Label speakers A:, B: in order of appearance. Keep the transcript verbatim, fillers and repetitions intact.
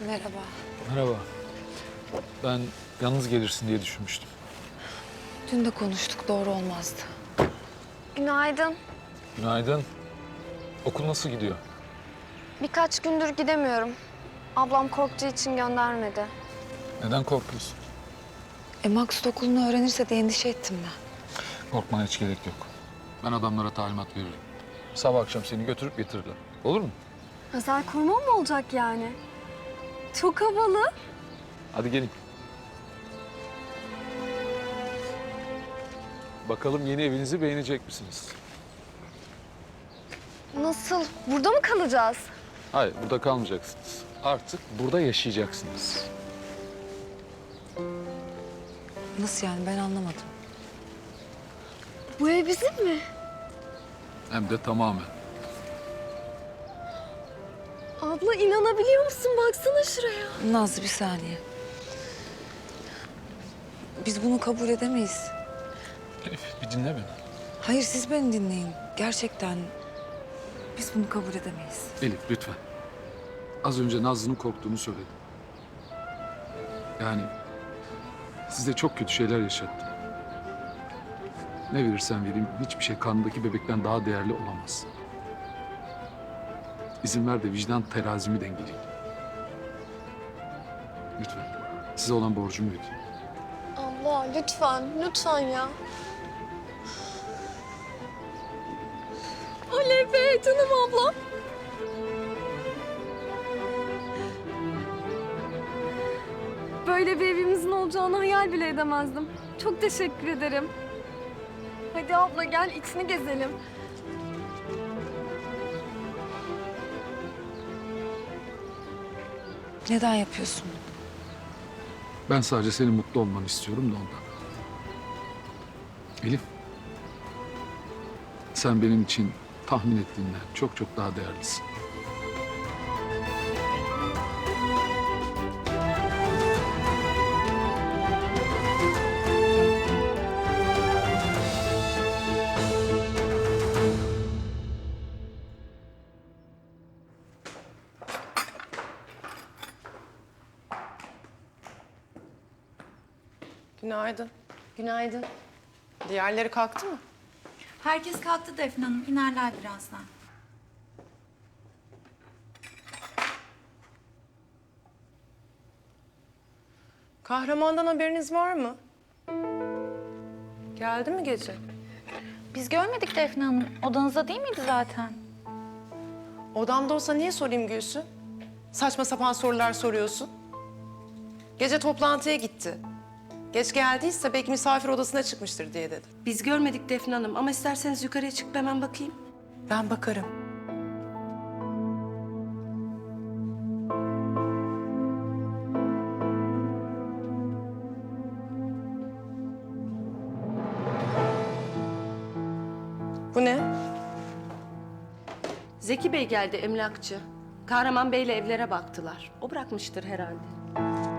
A: Merhaba.
B: Merhaba. Ben yalnız gelirsin diye düşünmüştüm.
A: Dün de konuştuk, doğru olmazdı.
C: Günaydın.
B: Günaydın. Okul nasıl gidiyor?
C: Birkaç gündür gidemiyorum. Ablam korktuğu için göndermedi.
B: Neden korkuyorsun?
A: E Maksut okulunu öğrenirse diye endişe ettim ben.
B: Korkmana hiç gerek yok. Ben adamlara talimat veririm. Sabah akşam seni götürüp getirirler. Olur mu?
C: Özel koruma mı olacak yani? Çok havalı.
B: Hadi gelin. Bakalım yeni evinizi beğenecek misiniz?
C: Nasıl? Burada mı kalacağız?
B: Hayır, burada kalmayacaksınız. Artık burada yaşayacaksınız.
A: Nasıl yani, ben anlamadım.
C: Bu ev bizim mi?
B: Hem de tamamen.
C: Abla inanabiliyor musun? Baksana şuraya.
A: Nazlı bir saniye. Biz bunu kabul edemeyiz.
B: Elif, bir dinle beni.
A: Hayır, siz beni dinleyin. Gerçekten biz bunu kabul edemeyiz.
B: Elif, lütfen. Az önce Nazlı'nın korktuğunu söyledim. Yani size çok kötü şeyler yaşattım. Ne verirsen vereyim, hiçbir şey karnındaki bebekten daha değerli olamaz. İzin ver de vicdan terazimi dengeleyeyim. Lütfen. Size olan borcumu ödeyeyim.
C: Abla lütfen, lütfen ya. Oley be canım ablam. Böyle bir evimizin olacağını hayal bile edemezdim. Çok teşekkür ederim. Hadi abla gel içini gezelim.
A: Neden yapıyorsun?
B: Ben sadece senin mutlu olmanı istiyorum da ondan. Elif, sen benim için tahmin ettiğinden çok çok daha değerlisin.
D: Günaydın.
E: Günaydın.
D: Diğerleri kalktı mı?
F: Herkes kalktı Defne Hanım. İnerler birazdan.
D: Kahramandan haberiniz var mı? Geldi mi gece?
F: Biz görmedik Defne Hanım. Odanızda değil miydi zaten?
D: Odamda olsa niye sorayım Gülsün? Saçma sapan sorular soruyorsun. Gece toplantıya gitti. Geç geldiyse belki misafir odasına çıkmıştır diye dedim.
E: Biz görmedik Defne Hanım ama isterseniz yukarıya çıkıp hemen bakayım.
D: Ben bakarım. Bu ne?
E: Zeki Bey geldi emlakçı. Kahraman Bey'le evlere baktılar. O bırakmıştır herhalde.